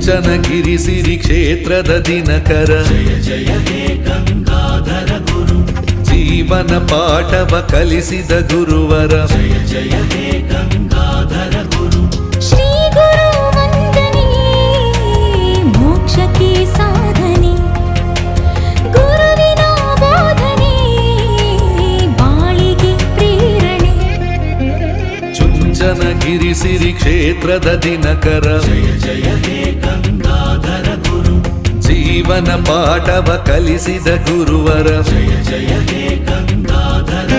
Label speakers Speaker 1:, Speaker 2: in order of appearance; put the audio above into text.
Speaker 1: ಚುಂಚನಗಿರಿ ಸಿರಿ ಕ್ಷೇತ್ರದ ದಿನಕರ
Speaker 2: ಜಯ ಜಯ ಹೇ ಗಂಗಾಧರ ಗುರು
Speaker 1: ಜೀವನ ಪಾಠವ ಕಲಿಸಿದ ಗುರುವರ
Speaker 2: ಜಯ ಜಯ ಹೇ ಗಂಗಾಧರ ಗುರು
Speaker 3: ಶ್ರೀ ಗುರು ವಂದನೆ ಮೋಕ್ಷಕ್ಕೆ ಸಾಧನೆ ಗುರುವಿನ ಬೋಧನೆ ಬಾಳಿಗೆ ಪ್ರೇರಣೆ
Speaker 1: ಚುಂಚನಗಿರಿ ಸಿರಿ ಕ್ಷೇತ್ರದ ದಿನಕರ
Speaker 2: ಜಯ ಜಯ ಹೇ ಗಂಗಾಧರ ಗುರು
Speaker 1: ಜೀವನ ಪಾಠವ ಕಲಿಸಿದ ಗುರುವರ
Speaker 2: ಜಯ ಜಯ ಹೇ ಗಂಗಾಧರ